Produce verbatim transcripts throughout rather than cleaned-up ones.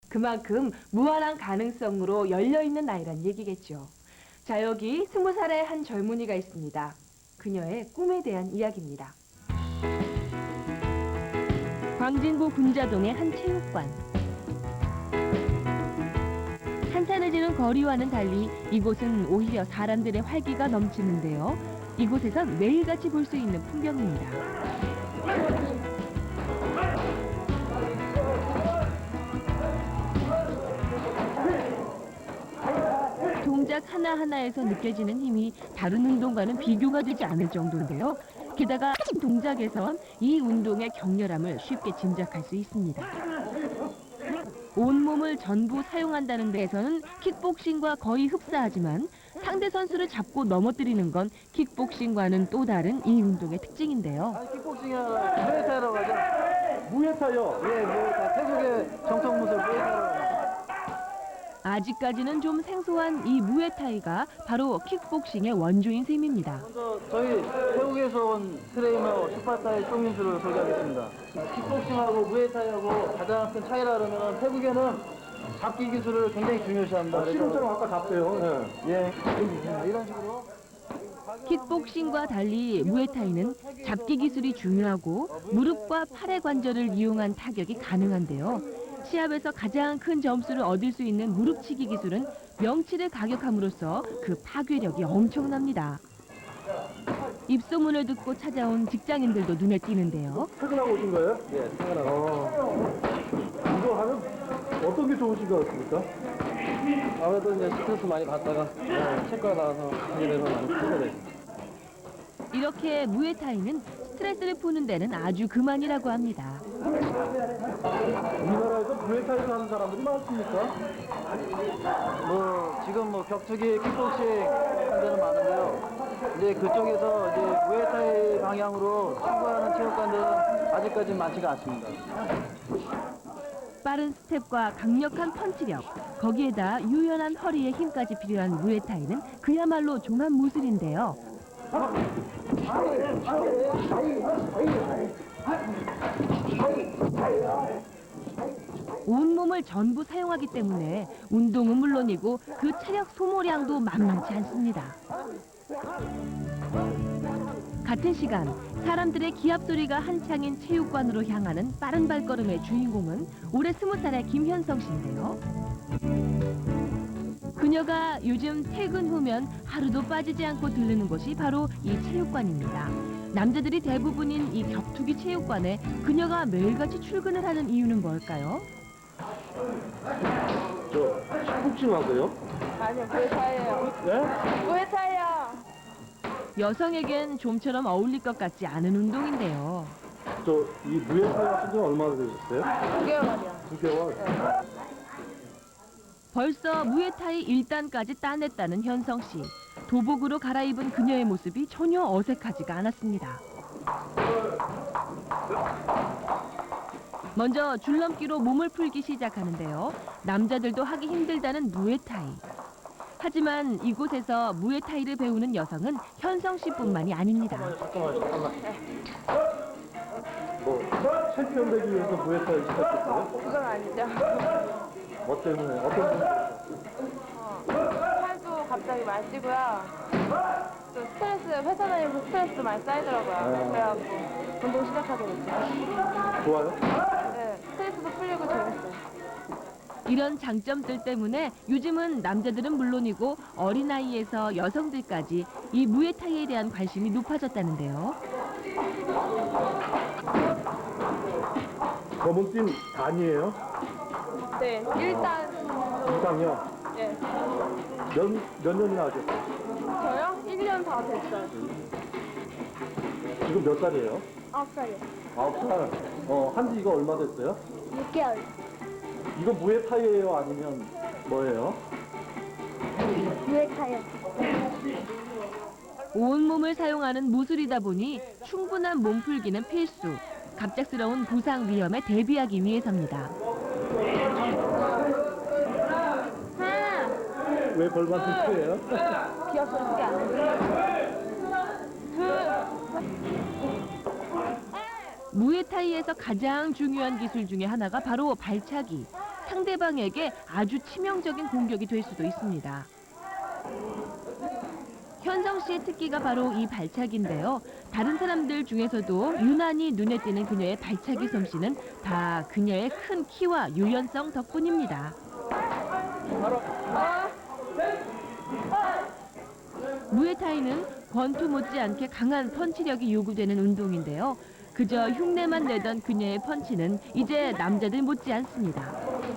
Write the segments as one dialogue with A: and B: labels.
A: 그만큼 무한한 가능성으로 열려있는 나이란 얘기겠죠. 자, 여기 스무 살의 한 젊은이가 있습니다. 그녀의 꿈에 대한 이야기입니다. 광진구 군자동의 한 체육관. 한산해지는 거리와는 달리 이곳은 오히려 사람들의 활기가 넘치는데요. 이곳에선 매일같이 볼 수 있는 풍경입니다. 동작 하나하나에서 느껴지는 힘이 다른 운동과는 비교가 되지 않을 정도인데요. 게다가 동작에선 이 운동의 격렬함을 쉽게 짐작할 수 있습니다. 온몸을 전부 사용한다는 데에서는 킥복싱과 거의 흡사하지만 상대 선수를 잡고 넘어뜨리는 건 킥복싱과는 또 다른 이 운동의 특징인데요.
B: 아니, 킥복싱은 무에타이라고 하죠.
C: 무에타이요?
B: 예, 무에타이. 태국의 정통 무술 무에타이라고 하죠.
A: 아직까지는 좀 생소한 이 무에타이가 바로 킥복싱의 원조인 셈입니다.
B: 먼저 저희 태국에서 온 트레이너 슈파타이 송민수를 소개하겠습니다. 킥복싱하고 무에타이하고 가장 큰 차이라 그러면 태국에는 잡기 기술을 굉장히 중요시합니다.
C: 아, 씨름처럼 아까 잡대요. 예.
B: 예, 이런 식으로.
A: 킥복싱과 달리 무에타이는 잡기 기술이 중요하고 무릎과 팔의 관절을 이용한 타격이 가능한데요. 시합에서 가장 큰 점수를 얻을 수 있는 무릎치기 기술은 명치를 가격함으로써 그 파괴력이 엄청납니다. 입소문을 듣고 찾아온 직장인들도 눈에 띄는데요.
C: 퇴근하고 오신 거예요?
B: 예, 생각나고.
C: 어. 이거 하면 어떤 게 좋으신 것 같습니까?
B: 아무래도 이제 스트레스 많이 받다가 네, 치과 나와서 하게 되면 많이 풀게 되죠.
A: 이렇게 무에타이는 스트레스를 푸는 데는 아주 그만이라고 합니다.
C: 우리나라에서 무에타이를 하는 사람들이 많습니까?
B: 뭐 지금 뭐 격투기, 킥복싱 하는 데는 많은데요. 이제 그쪽에서 이제 무에타이 방향으로 추구하는 체육관들은 아직까지 많지가 않습니다.
A: 빠른 스텝과 강력한 펀치력, 거기에다 유연한 허리의 힘까지 필요한 무에타이는 그야말로 종합 무술인데요. 온몸을 전부 사용하기 때문에 운동은 물론이고 그 체력 소모량도 만만치 않습니다. 같은 시간 사람들의 기합 소리가 한창인 체육관으로 향하는 빠른 발걸음의 주인공은 올해 스무 살의 김현성 씨인데요. 그녀가 요즘 퇴근 후면 하루도 빠지지 않고 들르는 곳이 바로 이 체육관입니다. 남자들이 대부분인 이 격투기 체육관에 그녀가 매일같이 출근을 하는 이유는 뭘까요?
C: 저 킥복싱 하세요?
D: 아니요, 무에타이예요.
C: 네?
D: 무에타이요.
A: 여성에겐 좀처럼 어울릴 것 같지 않은 운동인데요.
C: 저 이 무에타이 하신 지 얼마나 되셨어요?
D: 두 개월 만이요.
C: 두 개월.
A: 벌써 무에타이 일 단까지 따냈다는 현성 씨. 도복으로 갈아입은 그녀의 모습이 전혀 어색하지가 않았습니다. 먼저 줄넘기로 몸을 풀기 시작하는데요. 남자들도 하기 힘들다는 무에타이. 하지만 이곳에서 무에타이를 배우는 여성은 현성 씨뿐만이 아닙니다.
B: 잠깐만, 잠깐만.
C: 뭐 챔피언 되기 위해서 무에타이 시작했어요?
D: 그건 아니죠.
C: 뭐 때문에? 어떤 분?
D: 어, 팔도 갑자기 많이 찌고요. 또 스트레스, 회사 다니면서 스트레스 많이 쌓이더라고요.
C: 아.
D: 그래갖고 운동 시작하게 됐죠.
C: 좋아요?
D: 네, 스트레스도 풀리고 재밌어요.
A: 이런 장점들 때문에 요즘은 남자들은 물론이고 어린아이에서 여성들까지 이 무에타이에 대한 관심이 높아졌다는데요.
C: 검은팀 단이에요?
D: 네, 일단
C: 이상이요?
D: 예,
C: 몇, 몇 년이나 하셨어요?
D: 저요? 일 년 다 됐어요.
C: 지금 몇 살이에요?
D: 아홉 살이요.
C: 아홉 살. 어, 한지 이거 얼마 됐어요?
D: 육 개월.
C: 이거 무에타이예요? 아니면 뭐예요?
D: 무에타이요.
A: 온몸을 사용하는 무술이다 보니 충분한 몸풀기는 필수. 갑작스러운 부상 위험에 대비하기 위해서입니다.
D: 하나,
C: 왜 벌받은 거예요?
D: 기어서 크게 안 돼. 둘,
A: 무에타이에서 가장 중요한 기술 중에 하나가 바로 발차기. 상대방에게 아주 치명적인 공격이 될 수도 있습니다. 현성 씨의 특기가 바로 이 발차기인데요. 다른 사람들 중에서도 유난히 눈에 띄는 그녀의 발차기 솜씨는 다 그녀의 큰 키와 유연성 덕분입니다. 무에타이는 권투 못지않게 강한 펀치력이 요구되는 운동인데요. 그저 흉내만 내던 그녀의 펀치는 이제 남자들 못지않습니다.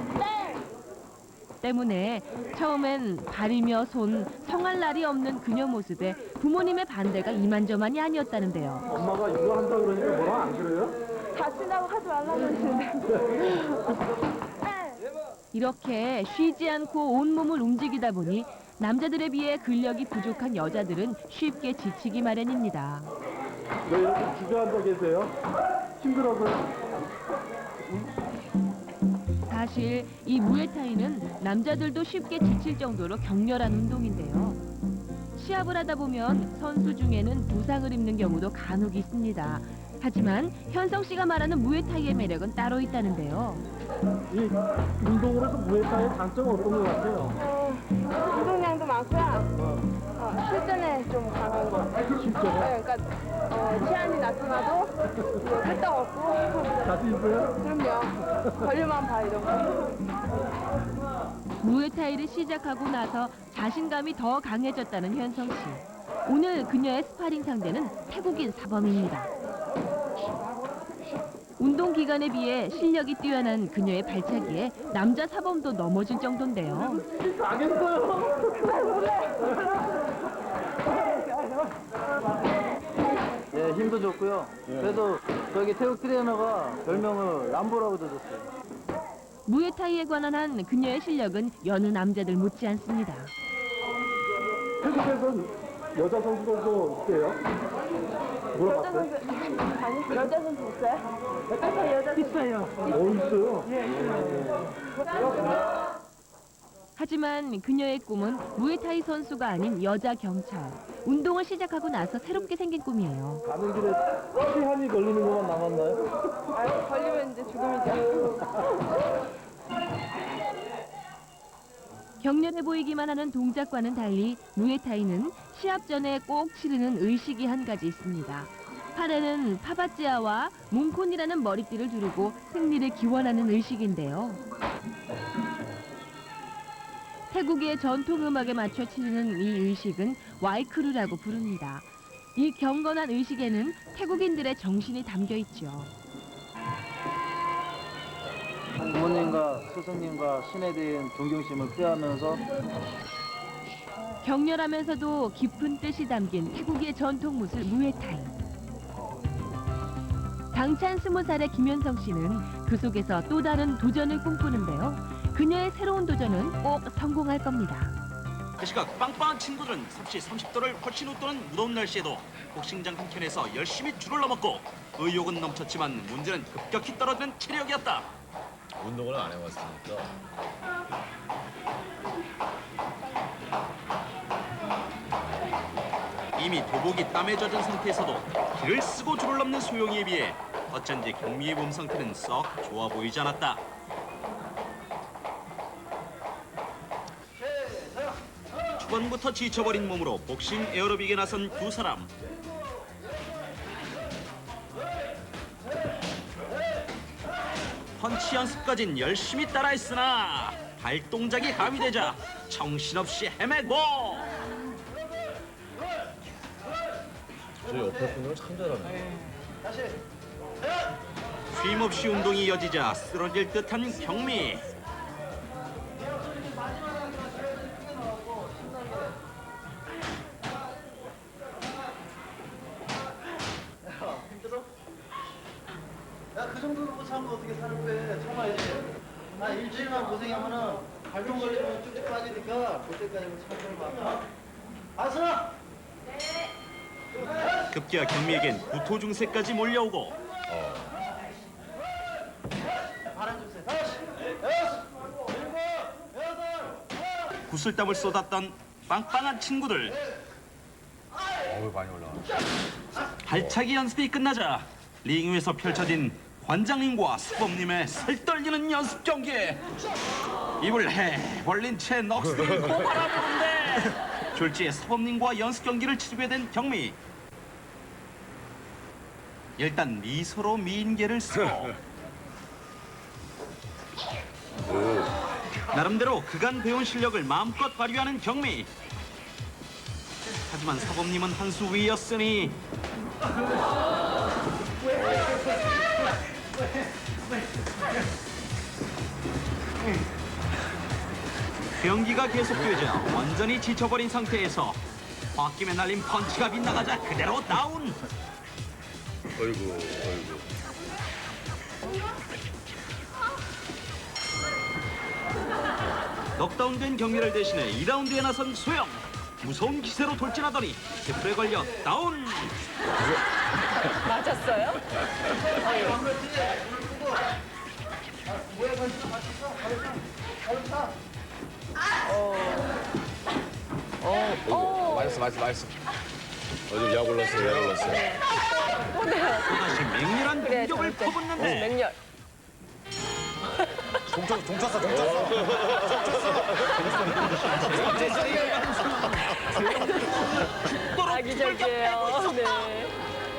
A: 때문에 처음엔 발이며 손, 성할 날이 없는 그녀 모습에 부모님의 반대가 이만저만이 아니었다는데요.
C: 엄마가 이거 한다 그러니까 뭐라 안 그래요?
D: 다친다고 하지 말라고 그러시는데.
A: 이렇게 쉬지 않고 온몸을 움직이다 보니 남자들에 비해 근력이 부족한 여자들은 쉽게 지치기 마련입니다.
C: 왜 이렇게 주저앉아 계세요? 힘들어서요?
A: 사실 이 무에타이는 남자들도 쉽게 지칠 정도로 격렬한 운동인데요. 시합을 하다 보면 선수 중에는 부상을 입는 경우도 간혹 있습니다. 하지만 현성 씨가 말하는 무에타이의 매력은 따로 있다는데요.
C: 이 운동으로 해서 무에타이의 장점은 어떤 것 같아요?
D: 어, 운동량도 많고요. 어, 실전에 좀 강한 거.
C: 실전에?
D: 네, 그러니까 어, 치안이 나타나도 끄떡없고.
C: 자신 있어요?
D: 그럼요. 걸려만 봐 이런 거.
A: 무에타이를 시작하고 나서 자신감이 더 강해졌다는 현성 씨. 오늘 그녀의 스파링 상대는 태국인 사범입니다. 운동 기간에 비해 실력이 뛰어난 그녀의 발차기에 남자 사범도 넘어질 정도인데요.
B: 예, 힘도 좋고요. 그래도 저기 태국 트레이너가 별명을 람보라고 줬어요.
A: 무에타이에 관한 한 그녀의 실력은 여느 남자들 못지않습니다.
C: 태국에선 여자 선수들도 있대요?
D: 여자
C: 물어봤어요?
D: 선수 아니 여자 선수 있어요? 아니 여자 선수 있어요.
C: 어, 있어요?
A: 하지만 그녀의 꿈은 무에타이 선수가 아닌 여자 경찰. 운동을 시작하고 나서 새롭게 생긴 꿈이에요.
C: 가는 길에 시한이 걸리는 것만 남았나요?
D: 아 걸리면 이제 죽음이죠.
A: 격렬해 보이기만 하는 동작과는 달리 무에타이는 시합 전에 꼭 치르는 의식이 한 가지 있습니다. 팔에는 파바찌아와 몽콘이라는 머리띠를 두르고 승리를 기원하는 의식인데요. 태국의 전통 음악에 맞춰 치르는 이 의식은 와이크루라고 부릅니다. 이 경건한 의식에는 태국인들의 정신이 담겨 있죠.
B: 부모님과 스승님과 신에 대한 존경심을 표하면서
A: 격렬하면서도 깊은 뜻이 담긴 태국의 전통 무술 무에타이. 당찬 스무 살의 김현성 씨는 그 속에서 또 다른 도전을 꿈꾸는데요. 그녀의 새로운 도전은 꼭 성공할 겁니다.
E: 그 시각 빵빵한 친구들은 섭씨 삼십 도를 훨씬 웃도는 무더운 날씨에도 복싱장 한켠에서 열심히 줄을 넘었고 의욕은 넘쳤지만 문제는 급격히 떨어지는 체력이었다.
F: 운동을 안 해봤으니까
E: 이미 도복이 땀에 젖은 상태에서도 길을 쓰고 줄을 넘는 소영이에 비해 어쩐지 경미의 몸 상태는 썩 좋아 보이지 않았다. 초반부터 지쳐버린 몸으로 복싱 에어로빅에 나선 두 사람. 펀치 연습까진 열심히 따라했으나 발동작이 가미되자 정신없이 헤매고
F: 저 옆에 분들은 참 잘하네.
E: 쉼없이 운동이 이어지자 쓰러질 듯한 경미.
B: 야, 그 정도로 못 참고 어떻게 사는 거야? 참아야지. 아, 일주일만 고생하면은 발동 걸리면 쭉쭉 빠지니까 그때까지는 참을 만. 아서.
E: 급기야 경미에겐 구토 증세까지 몰려오고
B: 바람 주세요. 다시. 여섯. 일곱. 여덟.
E: 구슬땀을 쏟았던 빵빵한 친구들.
F: 어우 많이 올라가.
E: 발차기 연습이 끝나자 링 위에서 펼쳐진 관장님과 수범님의 살떨리는 연습 경기. 입을 해 벌린 채 넋을 고바라보는데 졸지에 수범님과 연습 경기를 치르게 된 경미. 일단 미소로 미인계를 쓰고 나름대로 그간 배운 실력을 마음껏 발휘하는 경미. 하지만 사범님은 한 수 위였으니 경기가 계속되자 완전히 지쳐버린 상태에서 홧김에 날린 펀치가 빗나가자 그대로 다운.
F: 어이구, 어이구.
E: 넉다운된 경기를 대신해 이 라운드에 나선 소영. 무서운 기세로 돌진하더니 태클에 걸려 다운.
D: 맞았어요?
F: 어이구, 맛있어, 맛있어, 맛있어. 어좀 약 올랐어요, 약 올랐어요.
E: 또다시 맹렬한
D: 그래,
E: 공격을
D: 잘했대.
E: 퍼붓는데
D: 맹렬.
F: 동쳤어, 동쳤어, 동쳤어.
D: 아기적이에요.